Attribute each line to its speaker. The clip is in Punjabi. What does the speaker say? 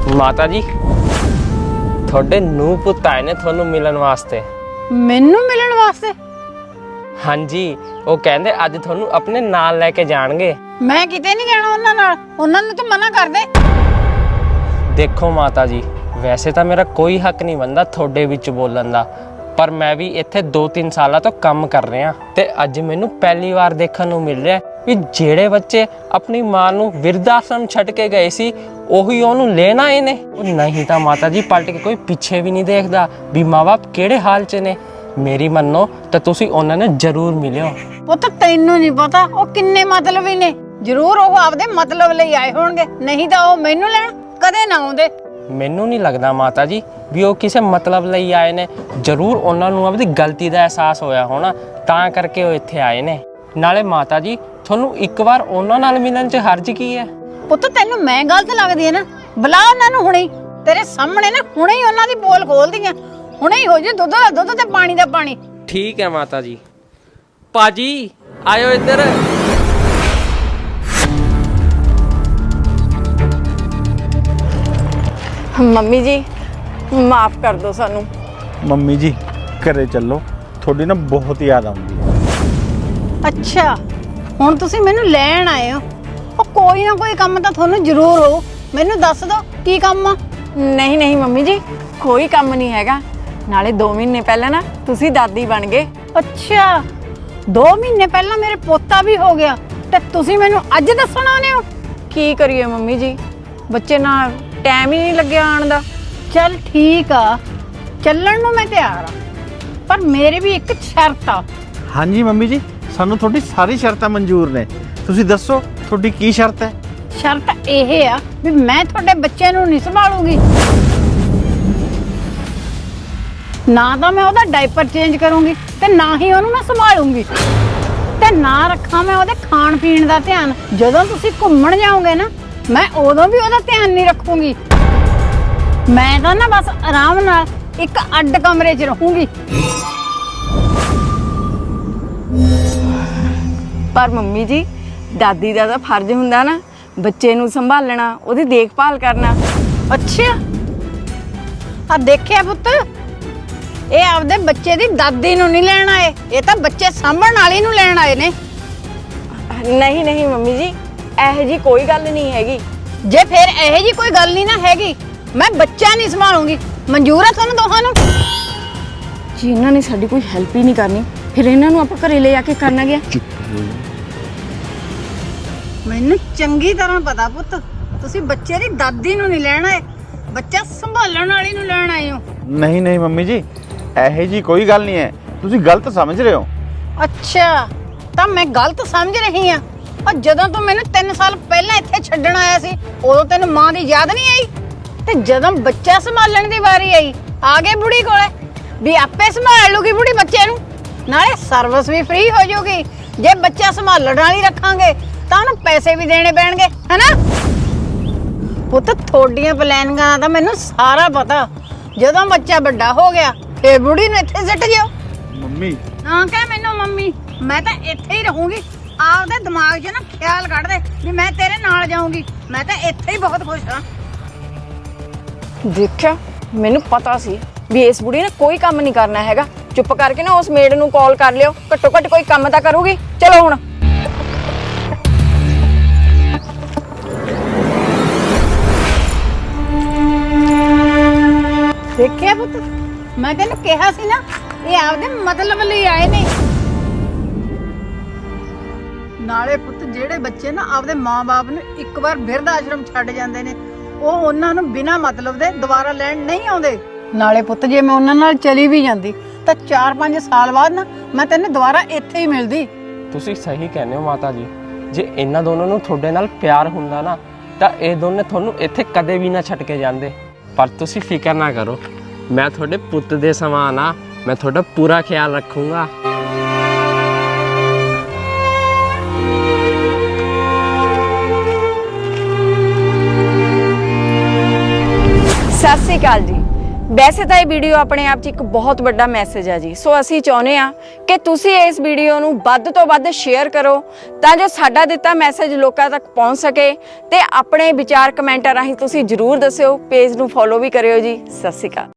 Speaker 1: ਮਾਤਾ ਜੀ ਤੁਹਾਡੇ ਨੂੰਹ ਪੁੱਤ ਆਏ ਨੇ ਤੁਹਾਨੂੰ ਮਿਲਣ ਵਾਸਤੇ।
Speaker 2: ਮੈਨੂੰ ਮਿਲਣ ਵਾਸਤੇ?
Speaker 1: ਹਾਂਜੀ, ਉਹ ਕਹਿੰਦੇ ਅੱਜ ਤੁਹਾਨੂੰ ਆਪਣੇ ਨਾਲ ਲੈ ਕੇ ਜਾਣਗੇ।
Speaker 2: ਮੈਂ ਕਿਤੇ ਨਹੀਂ ਜਾਣਾ ਉਹਨਾਂ ਨਾਲ, ਉਹਨਾਂ ਨੂੰ ਤਾਂ ਮਨਾ ਕਰ ਦੇ।
Speaker 1: ਦੇਖੋ ਮਾਤਾ ਜੀ, ਵੈਸੇ ਤਾਂ ਮੇਰਾ ਕੋਈ ਹੱਕ ਨਹੀਂ ਬਣਦਾ ਤੁਹਾਡੇ ਵਿੱਚ ਬੋਲਣ ਦਾ, ਪਰ ਮੈਂ ਵੀ ਇੱਥੇ 2-3 ਸਾਲਾਂ ਤੋਂ ਕੰਮ ਕਰ ਰਿਹਾ ਤੇ ਅੱਜ ਮੈਨੂੰ ਪਹਿਲੀ ਵਾਰ ਦੇਖਣ ਨੂੰ ਮਿਲ ਰਿਹਾ ਵੀ ਜਿਹੜੇ ਬੱਚੇ ਆਪਣੀ ਮਾਂ ਨੂੰ ਬਿਰਧ ਆਸ਼ਰਮ ਛੱਡ ਕੇ ਗਏ ਸੀ ਉਹੀ ਉਹਨੂੰ ਲੈਣ ਆਏ ਨੇ। ਉਹ ਨਹੀਂ ਤਾਂ ਮਾਤਾ ਜੀ ਪਲਟ ਕੇ ਕੋਈ ਪਿੱਛੇ ਵੀ ਨਹੀਂ ਦੇਖਦਾ ਵੀ ਮਾਂ-ਬਾਪ ਕਿਹੜੇ ਹਾਲ 'ਚ ਨੇ। ਮੇਰੀ ਮੰਨੋ ਤਾਂ ਤੁਸੀਂ ਉਹਨਾਂ ਨੂੰ ਜ਼ਰੂਰ ਮਿਲਿਓ।
Speaker 2: ਪੁੱਤ ਤੈਨੂੰ ਨਹੀਂ ਪਤਾ ਉਹ ਕਿੰਨੇ ਮਤਲਬੀ ਨੇ। ਜ਼ਰੂਰ ਉਹ ਆਪਦੇ ਮਤਲਬ ਲਈ ਆਏ ਹੋਣਗੇ, ਨਹੀਂ ਤਾਂ ਉਹ ਮੈਨੂੰ ਲੈਣ ਕਦੇ ਨਾ ਆਉਂਦੇ।
Speaker 1: ਮੈਨੂੰ ਨਹੀਂ ਲੱਗਦਾ ਮਾਤਾ ਜੀ ਵੀ ਉਹ ਕਿਸੇ ਮਤਲਬ ਲਈ ਆਏ ਨੇ। ਜ਼ਰੂਰ ਉਹਨਾਂ ਨੂੰ ਆਪਣੀ ਗਲਤੀ ਦਾ ਅਹਿਸਾਸ ਹੋਇਆ ਹੋਣਾ, ਤਾਂ ਕਰਕੇ ਉਹ ਇੱਥੇ ਆਏ ਨੇ। ਨਾਲੇ ਮਾਤਾ ਜੀ ਤੁਹਾਨੂੰ ਇੱਕ ਵਾਰ ਉਹਨਾਂ ਨਾਲ ਮਿਲਣ 'ਚ ਹਰਜ ਕੀ ਹੈ?
Speaker 2: ਪੁੱਤ ਤੈਨੂੰ ਮੈਂ ਗਲਤ ਲੱਗਦੀ ਹੈ ਨਾ, ਬੁਲਾ ਉਹਨਾਂ ਨੂੰ ਹੁਣੇ। ਤੇਰੇ ਸਾਹਮਣੇ ਨਾ ਹੁਣੇ ਹੀ ਉਹਨਾਂ ਦੀ ਪੋਲ ਖੋਲਦੀਆਂ, ਹੁਣੇ ਹੀ ਹੋ ਜੇ ਦੁੱਧ ਦਾ ਦੁੱਧ ਤੇ ਪਾਣੀ ਦਾ ਪਾਣੀ।
Speaker 1: ਠੀਕ ਹੈ ਮਾਤਾ ਜੀ। ਪਾਜੀ ਆਇਓ ਇੱਧਰ।
Speaker 3: ਮੰਮੀ ਜੀ ਮਾਫ ਕਰ ਦਿਓ ਸਾਨੂੰ।
Speaker 4: ਮੰਮੀ ਜੀ ਘਰੇ ਚੱਲੋ, ਤੁਹਾਡੀ ਨਾ ਬਹੁਤ ਯਾਦ ਆਉਂਦੀ ਹੈ।
Speaker 2: ਅੱਛਾ ਹੁਣ ਤੁਸੀਂ ਮੈਨੂੰ ਲੈਣ ਆਏ ਹੋ। ਉਹ ਕੋਈ ਨਾ ਕੋਈ ਕੰਮ ਤਾਂ ਤੁਹਾਨੂੰ ਜ਼ਰੂਰ ਹੋ, ਮੈਨੂੰ ਦੱਸ ਦਿਓ ਕੀ ਕੰਮ ਆ।
Speaker 3: ਨਹੀਂ ਨਹੀਂ ਮੰਮੀ ਜੀ, ਕੋਈ ਕੰਮ ਨਹੀਂ ਹੈਗਾ। ਨਾਲੇ 2 ਮਹੀਨੇ ਪਹਿਲਾਂ ਨਾ ਤੁਸੀਂ ਦਾਦੀ ਬਣ ਗਏ।
Speaker 2: ਅੱਛਾ 2 ਮਹੀਨੇ ਪਹਿਲਾਂ ਮੇਰੇ ਪੋਤਾ ਵੀ ਹੋ ਗਿਆ ਤੇ ਤੁਸੀਂ ਮੈਨੂੰ ਅੱਜ ਦੱਸਣ ਆਉਂਦੇ ਹੋ?
Speaker 3: ਕੀ ਕਰੀਏ ਮੰਮੀ ਜੀ, ਬੱਚੇ ਨਾਲ ਟਾਈਮ ਹੀ ਨਹੀਂ ਲੱਗਿਆ ਆਉਣ ਦਾ।
Speaker 2: ਚੱਲ ਠੀਕ ਆ, ਚੱਲਣ ਨੂੰ ਮੈਂ ਤਿਆਰ ਆ, ਪਰ ਮੇਰੇ ਵੀ ਇੱਕ ਸ਼ਰਤ ਆ।
Speaker 4: ਹਾਂਜੀ ਮੰਮੀ ਜੀ, ਸਾਨੂੰ ਤੁਹਾਡੀ ਸਾਰੀ ਸ਼ਰਤਾਂ ਮਨਜ਼ੂਰ ਨੇ। ਤੁਸੀਂ ਦੱਸੋ ਤੁਹਾਡੀ ਕੀ ਸ਼ਰਤ ਹੈ?
Speaker 2: ਸ਼ਰਤ ਇਹ ਆ ਵੀ ਮੈਂ ਤੁਹਾਡੇ ਬੱਚੇ ਨੂੰ ਨਹੀਂ ਸੰਭਾਲੂਗੀ। ਨਾ ਤਾਂ ਮੈਂ ਉਹਦਾ ਡਾਈਪਰ ਚੇਂਜ ਕਰੂੰਗੀ ਤੇ ਨਾ ਹੀ ਉਹਨੂੰ ਮੈਂ ਸੰਭਾਲੂੰਗੀ, ਤੇ ਨਾ ਰੱਖਾਂ ਮੈਂ ਉਹਦੇ ਖਾਣ ਪੀਣ ਦਾ ਧਿਆਨ। ਜਦੋਂ ਤੁਸੀਂ ਘੁੰਮਣ ਜਾਓਗੇ ਨਾ, ਮੈਂ ਉਦੋਂ ਵੀ ਉਹਦਾ ਧਿਆਨ ਨਹੀਂ ਰੱਖੂੰਗੀ। ਮੈਂ ਤਾਂ ਨਾ ਬਸ ਆਰਾਮ ਨਾਲ ਇੱਕ ਅੱਡ ਕਮਰੇ 'ਚ ਰਹੂੰਗੀ।
Speaker 3: ਪਰ ਮੰਮੀ ਜੀ ਦਾਦੀ ਦਾ ਤਾਂ ਫਰਜ਼ ਹੁੰਦਾ ਨਾ ਬੱਚੇ ਨੂੰ ਸੰਭਾਲਣਾ, ਉਹਦੀ ਦੇਖਭਾਲ ਕਰਨਾ।
Speaker 2: ਅੱਛਾ ਆ ਦੇਖਿਆ ਪੁੱਤ, ਇਹ ਆਪਦੇ ਬੱਚੇ ਦੀ ਦਾਦੀ ਨੂੰ ਨਹੀਂ ਲੈਣ ਆਏ, ਇਹ ਤਾਂ ਬੱਚੇ ਸਾਂਭਣ ਵਾਲੀ ਨੂੰ ਲੈਣ ਆਏ ਨੇ।
Speaker 3: ਨਹੀਂ ਨਹੀਂ ਮੰਮੀ ਜੀ, ਇਹੋ ਜੀ ਕੋਈ ਗੱਲ ਨਹੀਂ ਹੈਗੀ।
Speaker 2: ਜੇ ਫਿਰ ਇਹੋ ਜੀ ਕੋਈ ਗੱਲ ਨਹੀਂ ਨਾ ਹੈਗੀ, ਮੈਂ ਬੱਚਾ ਨਹੀਂ ਸੰਭਾਲੂੰਗੀ। ਮਨਜ਼ੂਰ ਹੈ ਤੁਹਾਨੂੰ ਦੋਹਾਂ ਨੂੰ?
Speaker 3: ਜੀ ਇਹਨਾਂ ਨੇ ਸਾਡੀ ਕੋਈ ਹੈਲਪ ਹੀ ਨਹੀਂ ਕਰਨੀ, ਫਿਰ ਇਹਨਾਂ ਨੂੰ ਆਪਾਂ ਘਰੇ ਲੈ ਆ ਕੇ ਕਰਨਾ ਗਿਆ।
Speaker 2: ਮੈਨੂੰ ਚੰਗੀ ਤਰ੍ਹਾਂ ਪਤਾ ਪੁੱਤ, ਤੁਸੀਂ ਬੱਚੇ ਦੀ ਦਾਦੀ ਨੂੰ ਨਹੀਂ ਲੈਣ ਆਏ, ਬੱਚਾ ਸੰਭਾਲਣ ਵਾਲੀ ਨੂੰ ਲੈਣ ਆਏ ਹੋ।
Speaker 4: ਨਹੀਂ ਨਹੀਂ ਮੰਮੀ ਜੀ, ਇਹੋ ਜੀ ਕੋਈ ਗੱਲ ਨਹੀਂ ਹੈ, ਤੁਸੀਂ ਗਲਤ ਸਮਝ ਰਹੇ ਹੋ।
Speaker 2: ਅੱਛਾ ਤਾਂ ਮੈਂ ਗਲਤ ਸਮਝ ਰਹੀ ਆ। ਔਰ ਜਦੋਂ ਤੂੰ ਮੈਨੂੰ 3 ਸਾਲ ਪਹਿਲਾਂ ਇੱਥੇ ਛੱਡਣ ਆਇਆ ਸੀ, ਉਦੋਂ ਤੈਨੂੰ ਮਾਂ ਦੀ ਯਾਦ ਨਹੀਂ ਆਈ? ਤੇ ਜਦੋਂ ਬੱਚਾ ਸੰਭਾਲਣ ਦੀ ਵਾਰੀ ਆਈ, ਆ ਗਏ ਬੁੜੀ ਕੋਲੇ ਵੀ ਆਪੇ ਸੰਭਾਲ ਲੂਗੀ ਬੁੜੀ ਬੱਚੇ ਨੂੰ, ਨਾਲੇ ਸਰਵਿਸ ਵੀ ਫ੍ਰੀ ਹੋ ਜਾਊਗੀ। ਜੇ ਬੱਚਾ ਸੰਭਾਲਣ ਵਾਲੀ ਰੱਖਾਂਗੇ ਤਾਂ ਉਹਨੂੰ ਪੈਸੇ ਵੀ ਦੇਣੇ ਪੈਣਗੇ, ਹੈਨਾ? ਪੁੱਤ ਤੁਹਾਡੀਆਂ ਪਲੈਨਿੰਗਾਂ ਦਾ ਤਾਂ ਮੈਨੂੰ ਸਾਰਾ ਪਤਾ। ਜਦੋਂ ਬੱਚਾ ਵੱਡਾ ਹੋ ਗਿਆ ਫੇਰ ਬੁੜੀ ਨੂੰ ਇੱਥੇ ਸਿੱਟ ਜਿਓ।
Speaker 4: ਮੰਮੀ
Speaker 2: ਨਾ ਕਹਿ ਮੈਨੂੰ ਮੰਮੀ, ਮੈਂ ਤਾਂ ਇੱਥੇ ਹੀ ਰਹੂੰਗੀ। ਆਪਦੇ ਦਿਮਾਗ 'ਚ ਨਾ ਖਿਆਲ ਕੱਢ ਦੇ ਵੀ ਮੈਂ ਤੇਰੇ ਨਾਲ ਜਾਊਂਗੀ। ਮੈਂ ਤਾਂ ਇੱਥੇ ਹੀ ਬਹੁਤ ਖੁਸ਼ ਹਾਂ।
Speaker 3: ਦੇਖਿਆ, ਮੈਨੂੰ ਪਤਾ ਸੀ ਵੀ ਇਸ ਬੁੜੀ ਨੇ ਕੋਈ ਕੰਮ ਨਹੀਂ ਕਰਨਾ ਹੈਗਾ। ਚੁੱਪ ਕਰਕੇ ਨਾ ਉਸ ਮੇਡ ਨੂੰ ਕਾਲ ਕਰ ਲਿਓ, ਘੱਟੋ ਘੱਟ ਕੋਈ ਕੰਮ ਤਾਂ ਕਰੂਗੀ। ਚਲੋ ਹੁਣ।
Speaker 2: ਦੇਖਿਆ ਪੁੱਤ, ਮੈਂ ਤੈਨੂੰ ਕਿਹਾ ਸੀ ਨਾ ਇਹ ਆਪਦੇ ਮਤਲਬ ਲਈ ਆਏ ਨੇ। ਨਾਲੇ ਪੁੱਤ ਜਿਹੜੇ ਬੱਚੇ ਨਾ ਆਪਦੇ ਮਾਂ-ਬਾਪ ਨੂੰ ਇੱਕ ਵਾਰ ਬਿਰਧ ਆਸ਼ਰਮ ਛੱਡ ਜਾਂਦੇ ਨੇ, ਉਹ ਉਹਨਾਂ ਨੂੰ ਬਿਨਾਂ ਮਤਲਬ ਦੇ ਦੁਬਾਰਾ ਲੈਣ ਨਹੀਂ ਆਉਂਦੇ। ਨਾਲੇ ਪੁੱਤ ਜੇ ਮੈਂ ਉਹਨਾਂ ਨਾਲ ਚਲੀ ਵੀ ਜਾਂਦੀ ਤਾਂ 4-5 ਸਾਲ ਬਾਅਦ ਨਾ ਮੈਂ ਤੈਨੂੰ ਦੁਬਾਰਾ ਇੱਥੇ ਹੀ ਮਿਲਦੀ।
Speaker 1: ਤੁਸੀਂ ਸਹੀ ਕਹਿੰਦੇ ਹੋ ਮਾਤਾ ਜੀ। ਜੇ ਇਹਨਾਂ ਦੋਨਾਂ ਨੂੰ ਤੁਹਾਡੇ ਨਾਲ ਪਿਆਰ ਹੁੰਦਾ ਨਾ ਤਾਂ ਇਹ ਦੋਨੇ ਤੁਹਾਨੂੰ ਇੱਥੇ ਕਦੇ ਵੀ ਨਾ ਛੱਡ ਕੇ ਜਾਂਦੇ। ਪਰ ਤੁਸੀਂ ਫਿਕਰ ਨਾ ਕਰੋ, ਮੈਂ ਤੁਹਾਡੇ ਪੁੱਤ ਦੇ ਸਮਾਨ ਆ, ਮੈਂ ਤੁਹਾਡਾ ਪੂਰਾ ਖਿਆਲ ਰੱਖੂੰਗਾ।
Speaker 3: ਸਤਿ ਸ਼੍ਰੀ ਅਕਾਲ ਜੀ। ਵੈਸੇ ਤਾਂ ਇਹ ਵੀਡੀਓ ਆਪਣੇ ਆਪ 'ਚ ਇੱਕ ਬਹੁਤ ਵੱਡਾ ਮੈਸੇਜ ਹੈ ਜੀ, ਸੋ ਅਸੀਂ ਚਾਹੁੰਦੇ ਆ ਕਿ ਤੁਸੀਂ ਇਸ ਵੀਡੀਓ ਨੂੰ ਵੱਧ ਤੋਂ ਵੱਧ ਸ਼ੇਅਰ ਕਰੋ ਤਾਂ ਜੋ ਸਾਡਾ ਦਿੱਤਾ ਮੈਸੇਜ ਲੋਕਾਂ ਤੱਕ ਪਹੁੰਚ ਸਕੇ। ਤੇ ਆਪਣੇ ਵਿਚਾਰ ਕਮੈਂਟਾਂ ਰਾਹੀਂ ਤੁਸੀਂ ਜ਼ਰੂਰ ਦੱਸਿਓ। ਪੇਜ ਨੂੰ ਫੋਲੋ ਵੀ ਕਰਿਓ ਜੀ। ਸਤਿ ਸ਼੍ਰੀ ਅਕਾਲ।